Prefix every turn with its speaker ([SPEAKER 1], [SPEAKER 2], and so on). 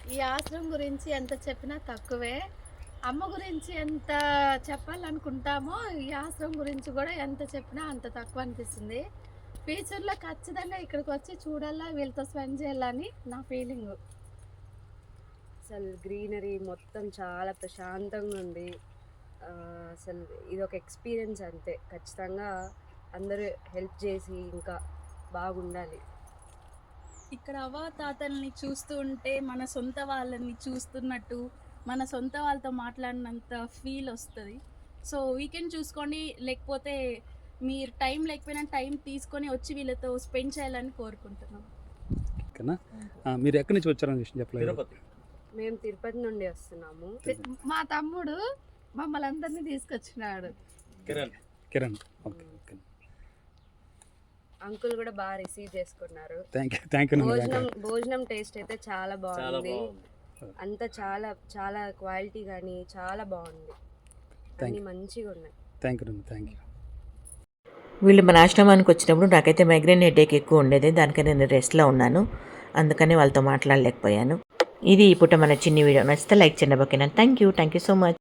[SPEAKER 1] ఈ ఆశ్రమం గురించి ఎంత చెప్పినా తక్కువే. అమ్మ గురించి ఎంత చెప్పాలనుకుంటామో, ఈ ఆశ్రమం గురించి గూడా ఎంత చెప్పినా అంత తక్కువ అనిపిస్తుంది. ఫ్యూచర్‌లో ఖచ్చితంగా ఇక్కడికొచ్చి చూడాలా, వీళ్ళతో స్పెండ్ చేయాలని నా ఫీలింగు.
[SPEAKER 2] అసలు గ్రీనరీ మొత్తం చాలా ప్రశాంతంగా ఉంది. అసలు ఇదొక ఎక్స్‌పీరియన్స్ అంతే. ఖచ్చితంగా అందరూ హెల్ప్ చేసి ఇంకా బాగుండాలి.
[SPEAKER 3] ఇక్కడ అవ్వాతాతల్ని చూస్తూ ఉంటే మన సొంత వాళ్ళని చూస్తున్నట్టు, మన సొంత వాళ్ళతో మాట్లాడినంత ఫీల్ వస్తది. సో, వీకెండ్ చూసుకోండి, లేకపోతే మీరు టైం లేకపోయినా టైం తీసుకొని వచ్చి వీళ్ళతో స్పెండ్ చేయాలని కోరుకుంటున్నాం.
[SPEAKER 4] ఓకేనా? మీరు ఎక్కడి నుంచి వచ్చారని విషయం చెప్పలేదు.
[SPEAKER 5] తిరుపతి.
[SPEAKER 2] మేము తిరుపతి నుండి వస్తున్నాము.
[SPEAKER 1] మా తమ్ముడు మమ్మల్ని అందరినీ తీసుకొచ్చినాడు.
[SPEAKER 4] కిరణ్. ఓకే. ఓకే.
[SPEAKER 2] అంకుల్ కూడా బాగా రిసీవ్ చేసుకున్నారు.
[SPEAKER 4] Thank you.
[SPEAKER 2] భోజనం టేస్ట్ అయితే చాలా
[SPEAKER 5] చాలా
[SPEAKER 2] బాగుంది.
[SPEAKER 5] బాగుంది.
[SPEAKER 2] అంతా చాలా చాలా క్వాలిటీ కానీ చాలా బాగుంది. అన్ని మంచిగా ఉన్నాయి.
[SPEAKER 4] Thank you.
[SPEAKER 6] వీళ్ళు మన ఆశ్రమానికి వచ్చినప్పుడు నాకైతే మైగ్రేన్ హెడేక్ ఎక్కువ ఉండేది. దానికని నేను రెస్ట్లో ఉన్నాను, అందుకని వాళ్ళతో మాట్లాడలేకపోయాను. ఇది ఈ పూట మన చిన్ని వీడియో. నచ్చితే లైక్ చేయండి. ఓకేనా? Thank you so much.